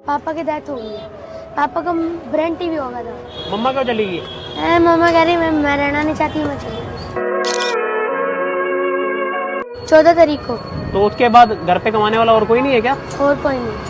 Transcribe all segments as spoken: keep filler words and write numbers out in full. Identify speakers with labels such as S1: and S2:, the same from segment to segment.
S1: पापा की डेथ हो गई है। पापा का ब्रेन टीवी हो गया था।
S2: मम्मा क्यों चली गई?
S1: ए, मम्मा कह रही मैं मैं रहना नहीं चाहती, मैं चली गई चौदह तारीख को।
S2: तो उसके बाद घर पे कमाने वाला और कोई नहीं है क्या?
S1: और कोई नहीं।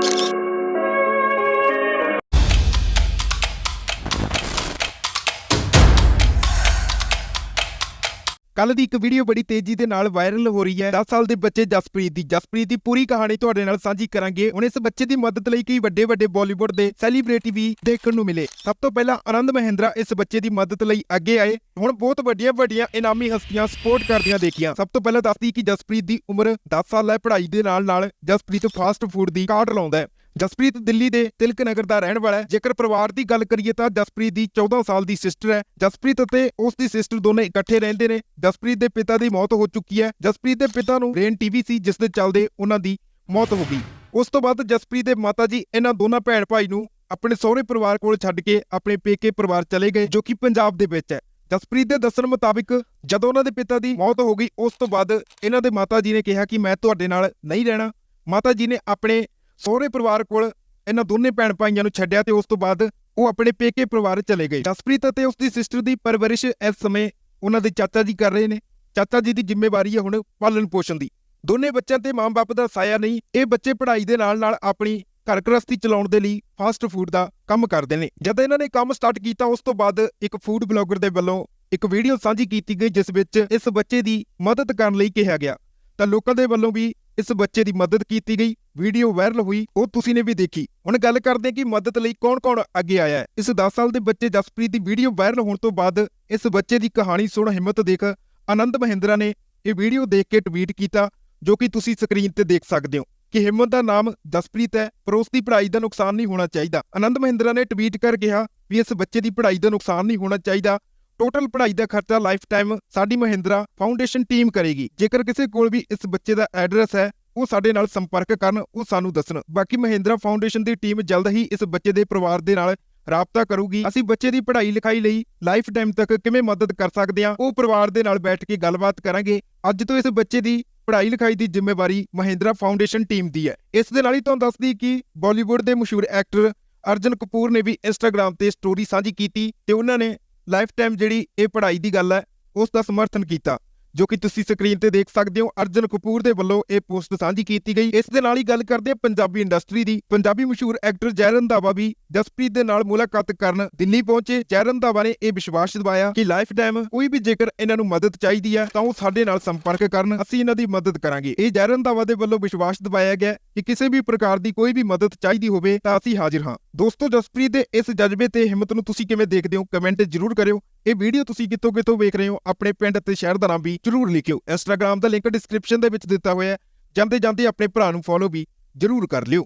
S3: ਕੱਲ ਦੀ ਇੱਕ ਵੀਡੀਓ ਬੜੀ ਤੇਜ਼ੀ ਦੇ ਨਾਲ ਵਾਇਰਲ ਹੋ ਰਹੀ ਹੈ। ਦਸ ਸਾਲ ਦੇ ਬੱਚੇ ਜਸਪ੍ਰੀਤ ਦੀ ਜਸਪ੍ਰੀਤ ਦੀ ਪੂਰੀ ਕਹਾਣੀ ਤੁਹਾਡੇ ਨਾਲ ਸਾਂਝੀ ਕਰਾਂਗੇ। ਹੁਣ ਇਸ ਬੱਚੇ ਦੀ ਮਦਦ ਲਈ ਕਈ ਵੱਡੇ ਵੱਡੇ ਬਾਲੀਵੁੱਡ ਦੇ ਸੈਲੀਬ੍ਰਿਟੀ ਵੀ ਦੇਖਣ ਨੂੰ ਮਿਲੇ। ਸਭ ਤੋਂ ਪਹਿਲਾਂ ਆਨੰਦ ਮਹਿੰਦਰਾ ਇਸ ਬੱਚੇ ਦੀ ਮਦਦ ਲਈ ਅੱਗੇ ਆਏ। ਹੁਣ ਬਹੁਤ ਵੱਡੀਆਂ ਵੱਡੀਆਂ ਇਨਾਮੀ ਹਸਤੀਆਂ ਸਪੋਰਟ ਕਰਦੀਆਂ ਦੇਖੀਆਂ। ਸਭ ਤੋਂ ਪਹਿਲਾਂ ਦੱਸਦੀ ਕਿ ਜਸਪ੍ਰੀਤ ਦੀ ਉਮਰ ਦਸ ਸਾਲ ਹੈ। ਪੜ੍ਹਾਈ ਦੇ ਨਾਲ ਨਾਲ ਜਸਪ੍ਰੀਤ ਫਾਸਟ ਫੂਡ ਦੀ ਕਾਰਟ ਲਾਉਂਦਾ ਹੈ। ਜਸਪ੍ਰੀਤ ਦਿੱਲੀ ਦੇ ਤਿਲਕ ਨਗਰ ਦਾ ਰਹਿਣ ਵਾਲਾ ਹੈ। ਜੇਕਰ ਪਰਿਵਾਰ ਦੀ ਗੱਲ ਕਰੀਏ ਤਾਂ ਜਸਪ੍ਰੀਤ ਦੀ ਚੌਦਾਂ ਸਾਲ ਦੀ ਸਿਸਟਰ ਹੈ। ਜਸਪ੍ਰੀਤ ਅਤੇ ਉਸ ਦੀ ਸਿਸਟਰ ਦੋਨੇ ਇਕੱਠੇ ਰਹਿੰਦੇ ਨੇ। ਜਸਪ੍ਰੀਤ ਦੇ ਪਿਤਾ ਦੀ ਮੌਤ ਹੋ ਚੁੱਕੀ ਹੈ। ਜਸਪ੍ਰੀਤ ਦੇ ਪਿਤਾ ਨੂੰ ਬ੍ਰੇਨ ਟੀਵੀ ਸੀ, ਜਿਸ ਦੇ ਚੱਲਦੇ ਉਹਨਾਂ ਦੀ ਮੌਤ ਹੋ ਗਈ। ਉਸ ਤੋਂ ਬਾਅਦ ਜਸਪ੍ਰੀਤ ਦੇ ਮਾਤਾ ਜੀ ਇਹਨਾਂ ਦੋਨਾਂ ਭੈਣ ਭਾਈ ਨੂੰ ਆਪਣੇ ਸਹੁਰੇ ਪਰਿਵਾਰ ਕੋਲ ਛੱਡ ਕੇ ਆਪਣੇ ਪੇਕੇ ਪਰਿਵਾਰ ਚਲੇ ਗਏ, ਜੋ ਕਿ ਪੰਜਾਬ ਦੇ ਵਿੱਚ ਹੈ। ਜਸਪ੍ਰੀਤ ਦੇ ਦੱਸਣ ਮੁਤਾਬਿਕ ਜਦੋਂ ਉਹਨਾਂ ਦੇ ਪਿਤਾ ਦੀ ਮੌਤ ਹੋ ਗਈ, ਉਸ ਤੋਂ ਬਾਅਦ ਇਹਨਾਂ ਦੇ ਮਾਤਾ ਜੀ ਨੇ ਕਿਹਾ ਕਿ ਮੈਂ ਤੁਹਾਡੇ ਨਾਲ ਨਹੀਂ ਰਹਿਣਾ। ਮਾਤਾ ਜੀ ਨੇ ਆਪਣੇ ਸਹੁਰੇ ਪਰਿਵਾਰ ਕੋਲ ਇਹਨਾਂ ਦੋਨੇ ਭੈਣ ਭਾਈਆਂ ਨੂੰ ਛੱਡਿਆ ਤੇ ਉਸ ਤੋਂ ਬਾਅਦ ਉਹ ਆਪਣੇ ਪੇਕੇ ਪਰਿਵਾਰ ਚਲੇ ਗਏ। ਜਸਪ੍ਰੀਤ ਅਤੇ ਉਸ ਦੀ ਸਿਸਟਰ ਦੀ ਪਰਵਰਿਸ਼ ਇਸ ਸਮੇਂ ਉਹਨਾਂ ਦੇ ਚਾਚਾ ਜੀ ਕਰ ਰਹੇ ਨੇ। ਚਾਚਾ ਜੀ ਦੀ ਜ਼ਿੰਮੇਵਾਰੀ ਹੈ ਹੁਣ ਪਾਲਣ ਪੋਸ਼ਣ ਦੀ। ਦੋਨੇ ਬੱਚਿਆਂ ਤੇ ਮਾਂ-ਬਾਪ ਦਾ ਸਾਇਆ ਨਹੀਂ। ਇਹ ਬੱਚੇ ਪੜ੍ਹਾਈ ਦੇ ਨਾਲ ਨਾਲ ਆਪਣੀ ਘਰ ਗ੍ਰਸਤੀ ਚਲਾਉਣ ਦੇ ਲਈ ਫਾਸਟ ਫੂਡ ਦਾ ਕੰਮ ਕਰਦੇ ਨੇ। ਜਦ ਇਹਨਾਂ ਨੇ ਕੰਮ ਸਟਾਰਟ ਕੀਤਾ, ਉਸ ਤੋਂ ਬਾਅਦ ਇੱਕ ਫੂਡ ਬਲੌਗਰ ਦੇ ਵੱਲੋਂ ਇੱਕ ਵੀਡੀਓ ਸਾਂਝੀ ਕੀਤੀ ਗਈ, ਜਿਸ ਵਿੱਚ ਇਸ ਬੱਚੇ ਦੀ ਮਦਦ ਕਰਨ ਲਈ ਕਿਹਾ ਗਿਆ ਤਾਂ ਲੋਕਾਂ ਦੇ ਵੱਲੋਂ ਵੀ ਇਸ ਬੱਚੇ ਦੀ ਮਦਦ ਕੀਤੀ ਗਈ। ਵੀਡੀਓ ਵਾਇਰਲ ਹੋਈ, ਉਹ ਤੁਸੀਂ ਨੇ ਵੀ ਦੇਖੀ। ਹੁਣ ਗੱਲ ਕਰਦੇ ਹਾਂ ਕਿ ਮਦਦ ਲਈ ਕੌਣ-ਕੌਣ ਅੱਗੇ ਆਇਆ ਹੈ। ਇਸ ਦਸ ਸਾਲ ਦੇ ਬੱਚੇ ਜਸਪ੍ਰੀਤ ਦੀ ਵੀਡੀਓ ਵਾਇਰਲ ਹੋਣ ਤੋਂ ਬਾਅਦ ਇਸ ਬੱਚੇ ਦੀ ਕਹਾਣੀ ਸੁਣ ਹਿੰਮਤ ਦੇਖ ਆਨੰਦ ਮਹਿੰਦਰਾ ਨੇ ਇਹ ਵੀਡੀਓ ਦੇਖ ਕੇ ਟਵੀਟ ਕੀਤਾ, ਜੋ ਕਿ ਤੁਸੀਂ ਸਕਰੀਨ ਤੇ ਦੇਖ ਸਕਦੇ ਹੋ ਕਿ ਹਿੰਮਤ ਦਾ ਨਾਮ ਜਸਪ੍ਰੀਤ ਹੈ, ਪਰ ਉਸ ਦੀ ਪੜ੍ਹਾਈ ਦਾ ਨੁਕਸਾਨ ਨਹੀਂ ਹੋਣਾ ਚਾਹੀਦਾ। ਆਨੰਦ ਮਹਿੰਦਰਾ ਨੇ ਟਵੀਟ ਕਰ ਕਿਹਾ ਵੀ ਇਸ ਬੱਚੇ ਦੀ ਪੜ੍ਹਾਈ ਦਾ ਨੁਕਸਾਨ ਨਹੀਂ ਹੋਣਾ ਚਾਹੀਦਾ। ਟੋਟਲ ਪੜ੍ਹਾਈ ਦਾ ਖਰਚਾ ਲਾਈਫ ਟਾਈਮ ਸਾਡੀ ਮਹਿੰਦਰਾ ਫਾਊਂਡੇਸ਼ਨ ਟੀਮ ਕਰੇਗੀ। ਜੇਕਰ ਕਿਸੇ ਕੋਲ ਵੀ ਇਸ ਬੱਚੇ ਦਾ ਐਡਰੈਸ ਹੈ, ਉਹ ਸਾਡੇ ਨਾਲ ਸੰਪਰਕ ਕਰਨ, ਉਹ ਸਾਨੂੰ ਦੱਸਣ। ਬਾਕੀ ਮਹਿੰਦਰਾ ਫਾਊਂਡੇਸ਼ਨ ਦੀ ਟੀਮ ਜਲਦ ਹੀ ਇਸ ਬੱਚੇ ਦੇ ਪਰਿਵਾਰ ਦੇ ਨਾਲ ਰਾਬਤਾ ਕਰੂਗੀ। ਅਸੀਂ ਬੱਚੇ ਦੀ ਪੜ੍ਹਾਈ ਲਿਖਾਈ ਲਈ ਲਾਈਫ ਟਾਈਮ ਤੱਕ ਕਿਵੇਂ ਮਦਦ ਕਰ ਸਕਦੇ ਹਾਂ, ਉਹ ਪਰਿਵਾਰ ਦੇ ਨਾਲ ਬੈਠ ਕੇ ਗੱਲਬਾਤ ਕਰਾਂਗੇ। ਅੱਜ ਤੋਂ ਇਸ ਬੱਚੇ ਦੀ ਪੜ੍ਹਾਈ ਲਿਖਾਈ ਦੀ ਜ਼ਿੰਮੇਵਾਰੀ ਮਹਿੰਦਰਾ ਫਾਊਂਡੇਸ਼ਨ ਟੀਮ ਦੀ ਹੈ। ਇਸ ਦੇ ਨਾਲ ਹੀ ਤੁਹਾਨੂੰ ਦੱਸਦੀ ਕਿ ਬਾਲੀਵੁੱਡ ਦੇ ਮਸ਼ਹੂਰ ਐਕਟਰ ਅਰਜਨ ਕਪੂਰ ਨੇ ਵੀ ਇੰਸਟਾਗ੍ਰਾਮ ਤੇ ਸਟੋਰੀ ਸਾਂਝੀ ਕੀਤੀ ਤੇ ਉਹਨਾਂ ਨੇ ਲਾਈਫ ਟਾਈਮ ਜਿਹੜੀ ਇਹ ਪੜ੍ਹਾਈ ਦੀ ਗੱਲ ਹੈ, ਉਸ ਦਾ ਸਮਰਥਨ ਕੀਤਾ, ਜੋ ਕਿ ਤੁਸੀਂ ਸਕਰੀਨ ਤੇ ਦੇਖ ਸਕਦੇ ਹੋ। ਅਰਜਨ ਕਪੂਰ ਦੇ ਵੱਲੋਂ ਇਹ ਪੋਸਟ ਸਾਂਝੀ ਕੀਤੀ ਗਈ। ਇਸ ਦੇ ਨਾਲ ਹੀ ਗੱਲ ਕਰਦੇ ਹਾਂ ਪੰਜਾਬੀ ਇੰਡਸਟਰੀ ਦੀ। ਪੰਜਾਬੀ ਮਸ਼ਹੂਰ ਐਕਟਰ ਜੈ ਰੰਧਾਵਾ ਵੀ ਜਸਪ੍ਰੀਤ ਦੇ ਨਾਲ ਮੁਲਾਕਾਤ ਕਰਨ ਦਿੱਲੀ ਪਹੁੰਚੇ। ਜੈ ਰੰਧਾਵਾ ਨੇ ਇਹ ਵਿਸ਼ਵਾਸ ਦਿਵਾਇਆ ਕਿ ਲਾਈਫ ਟਾਈਮ ਕੋਈ ਵੀ ਜੇਕਰ ਇਹਨਾਂ ਨੂੰ ਮਦਦ ਚਾਹੀਦੀ ਹੈ ਤਾਂ ਉਹ ਸਾਡੇ ਨਾਲ ਸੰਪਰਕ ਕਰਨ, ਅਸੀਂ ਇਹਨਾਂ ਦੀ ਮਦਦ ਕਰਾਂਗੇ। ਇਹ ਜੈ ਰੰਧਾਵਾ ਦੇ ਵੱਲੋਂ ਵਿਸ਼ਵਾਸ ਦਿਵਾਇਆ ਗਿਆ ਕਿ ਕਿਸੇ ਵੀ ਪ੍ਰਕਾਰ ਦੀ ਕੋਈ ਵੀ ਮਦਦ ਚਾਹੀਦੀ ਹੋਵੇ ਤਾਂ ਅਸੀਂ ਹਾਜ਼ਰ ਹਾਂ। ਦੋਸਤੋ, ਜਸਪ੍ਰੀਤ ਦੇ ਇਸ ਜਜ਼ਬੇ ਤੇ ਹਿੰਮਤ ਨੂੰ ਤੁਸੀਂ ਕਿਵੇਂ ਦੇਖਦੇ ਹੋ, ਕਮੈਂਟ ਜ਼ਰੂਰ ਕਰਿਓ। ਇਹ ਵੀਡੀਓ ਤੁਸੀਂ ਕਿੱਥੋਂ ਕਿੱਥੋਂ ਵੇਖ ਰਹੇ ਹੋ, ਆਪਣੇ ਪਿੰਡ ਅਤੇ ਸ਼ਹਿਰ ਦਾ ਨਾਮ ਵੀ ਜ਼ਰੂਰ ਲਿਖਿਓ। ਇੰਸਟਾਗ੍ਰਾਮ ਦਾ ਲਿੰਕ ਡਿਸਕ੍ਰਿਪਸ਼ਨ ਦੇ ਵਿੱਚ ਦਿੱਤਾ ਹੋਇਆ ਹੈ। ਜਾਂਦੇ ਜਾਂਦੇ ਆਪਣੇ ਭਰਾ ਨੂੰ ਫੋਲੋ ਵੀ ਜ਼ਰੂਰ ਕਰ ਲਿਓ।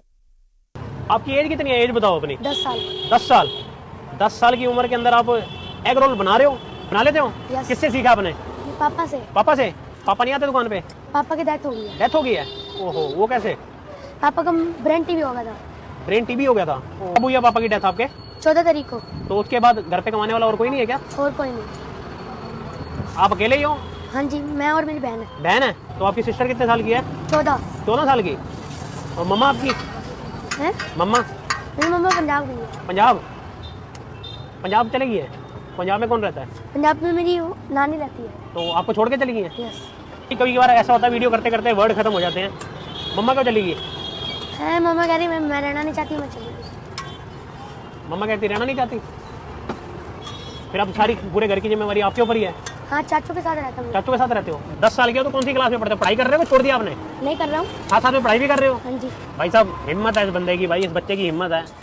S2: आपकी एज कितनी है? एज बताओ अपनी।
S1: दस साल।
S2: दस साल दस साल की उम्र के अंदर आप एग रोल बना रहे हो? बना लेते हो?
S1: Yes.
S2: किससे सीखा आपने?
S1: ये पापा से।
S2: पापा से? पापा नहीं आते दुकान पे?
S1: पापा की डेथ हो गई है।
S2: डेथ हो गई है? ओहो, वो कैसे?
S1: पापा का ब्रेन टीवी हो गया था।
S2: ब्रेन टीबी हो गया था? कब हुई है पापा की डेथ आपके?
S1: चौदह तारीख को।
S2: तो उसके बाद घर पे कमाने वाला और कोई नहीं है क्या?
S1: और कोई नहीं।
S2: आप अकेले ही हो?
S1: हाँ जी, मैं और मेरी बहन है।
S2: बहन है? तो आपकी सिस्टर कितने साल की है?
S1: चौदह।
S2: चौदह साल की। और मम्मा आपकी?
S1: है
S2: मम्मा
S1: मेरी मम्मा पंजाब गई है।
S2: पंजाब? पंजाब चली गई है? पंजाब में कौन रहता है?
S1: पंजाब में मेरी वो नानी रहती है।
S2: तो आपको छोड़ के चली गई है?
S1: यस।
S2: कभी कभार ऐसा होता है वीडियो करते करते वर्ड खत्म हो जाते हैं। मम्मा क्यों चली गई?
S1: है, मम्मा कह रही मैं मैं रहना नहीं चाहती, मैं चली गई।
S2: मम्मा कहती रहना नहीं चाहती? फिर अब सारी पूरे घर की जिम्मेवारी आपके ऊपर ही है?
S1: हाँ, चाचू के साथ रहता हूँ।
S2: चाचू के साथ रहते हो? दस साल के हो तो कौन सी क्लास में पढ़ते हो? पढ़ाई कर रहे हो? छोड़ दिया आपने?
S1: नहीं कर रहा हूँ।
S2: साथ साथ में पढ़ाई भी कर रहे हो?
S1: हाँ जी।
S2: भाई साहब, हिम्मत है इस बंदे की, भाई इस बच्चे की हिम्मत है।